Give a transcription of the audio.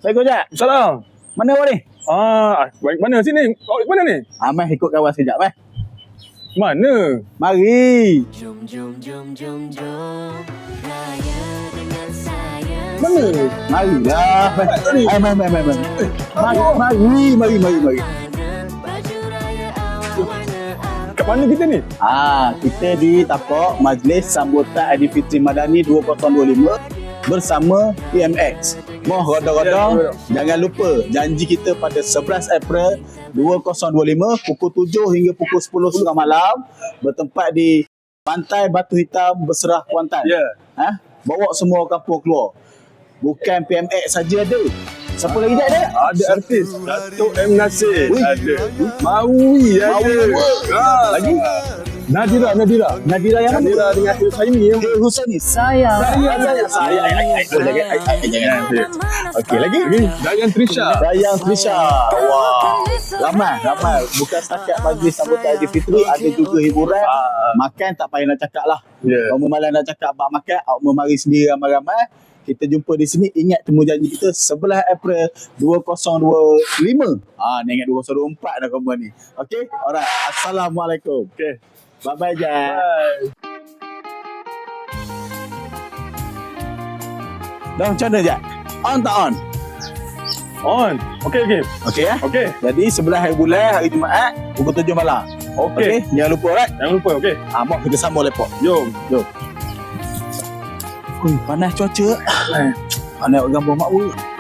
Assalamualaikum Jack. Salam. Mana awak ni? Mana sini? Mana ni? Meh ikut kawan sekejap meh. Mana? Mari. Jom jom jom jom jom raya dengan saya. Mana? Marilah. Mari. Baju raya awalnya Kat mana kita ni? Kita di tapak Majlis Sambutan Aidilfitri Madani 2025 bersama PMX. Moh roda-roda, jangan lupa janji kita pada 11 April 2025 pukul 7 hingga pukul 10 setengah malam bertempat di Pantai Batu Hitam Berserah Kuantan. Bawa semua kampung keluar. Bukan PMX saja ada. Siapa lagi ada? Ada artis Datuk M. Nasir. Ui. Ada. Maui ada. Lagi? Nadira Nadira yang mana? Nadira dengan Husaini yang Husaini. Sayang. Jangan. Okey, lagi? Dayan Trisha. Dayang Trisha. Wah. Ramai. Bukan setakat majlis sambutan Aidilfitri, ada juga hiburan. Makan tak payah nak cakap lah. Kalau malam nak cakap bab makan, awak memari sendiri ramai-ramai. Kita jumpa di sini. Ingat temu janji kita 11 April 2025. Ni ingat 2024 dah kamu ni. Okey? Alright. Assalamualaikum. Okey. Bye-bye, Jack. Bye. Dah macam mana, Jack? On tak on? On. Okey. Okey ya? Okey. Jadi 11 hari bulan, hari Jumaat, pukul 7 malam. Okey. Jangan lupa, alright? Jangan lupa, okey. Mak kita sambung lepok. Jom. Panas cuaca. Panas gambar mak